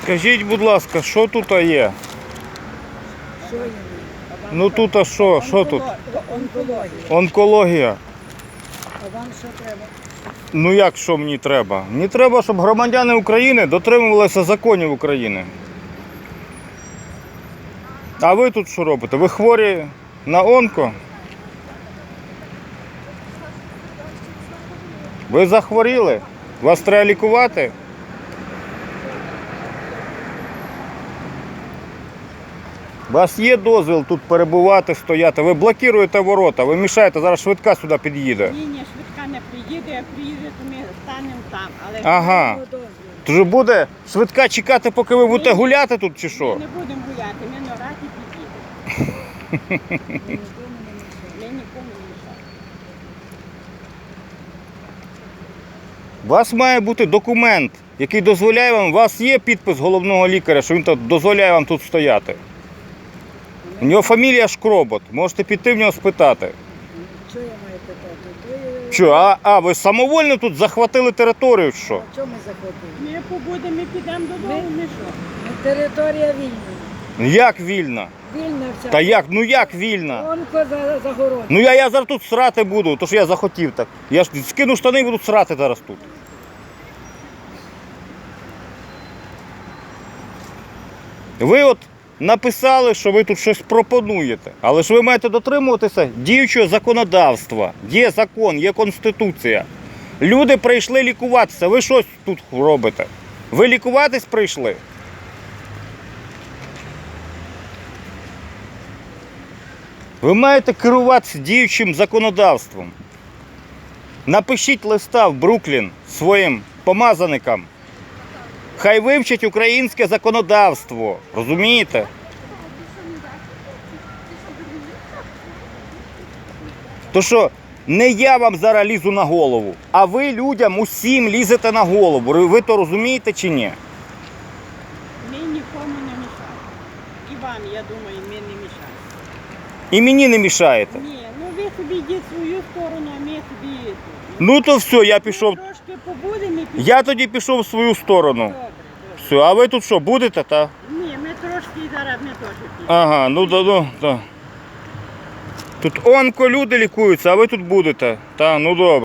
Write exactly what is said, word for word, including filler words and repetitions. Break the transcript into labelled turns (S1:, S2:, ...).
S1: Скажіть, будь ласка, що тут є?
S2: Що є?
S1: Ну тут а що? Що тут?
S2: Онкологія.
S1: Онкологія.
S2: А вам що треба?
S1: Ну як що мені треба? Мені треба, щоб громадяни України дотримувалися законів України. А ви тут що робите? Ви хворі на онко? Ви захворіли? Вас треба лікувати? У вас є дозвіл тут перебувати, стояти? Ви блокуєте ворота, ви мішаєте, зараз швидка сюди під'їде.
S3: Ні, ні, швидка не приїде, як приїде, то ми станемо там. Але
S1: Ага. Тож буде швидка чекати, поки ви будете гуляти тут чи
S3: ми
S1: що?
S3: не будемо гуляти, ми на раті під'їдемо. Ми нікому не мішаємо.
S1: У вас має бути документ, який дозволяє вам, у вас є підпис головного лікаря, що він тут дозволяє вам тут стояти. У нього фамілія Шкробот, можете піти в нього спитати.
S2: Що я маю питати? Ви...
S1: Що, а, а ви самовольно тут захватили територію, чи що?
S2: А чого ми заходимо?
S3: Ми побудемо, ми підемо додому, ми що?
S2: Ну, територія вільна.
S1: Як вільна?
S2: Вільна вся.
S1: Та як, ну як вільна?
S2: Онко за, загород.
S1: Ну я, я зараз тут срати буду, то що я захотів так. Я ж скину штани і буду срати зараз тут. Ви от написали, що ви тут щось пропонуєте, але ж ви маєте дотримуватися діючого законодавства. Є закон, є конституція. Люди прийшли лікуватися, ви щось тут робите? Ви лікуватись прийшли? Ви маєте керуватися діючим законодавством. Напишіть листа в Бруклін своїм помазаникам. Хай вивчать українське законодавство. Розумієте? То що, не я вам зараз лізу на голову, а ви людям усім лізете на голову. Ви то розумієте чи ні?
S3: Ми нікому не мішаємо. І вам, я думаю, ми не мішаємо.
S1: І мені не мішаєте.
S3: Ні, ну ви собі йдіть свою сторону, а ми собі...
S1: Ну то все, я пішов.
S3: Ми трошки побудемо і підемо.
S1: Я тоді пішов в свою сторону.
S3: Добре, добре.
S1: Все, а ви тут що, будете, та?
S3: Ні, ми трошки і зараз ми теж підемо.
S1: Ага, ну да, ну, да. Тут онко люди лікуються, а ви тут будете. Та, ну добре.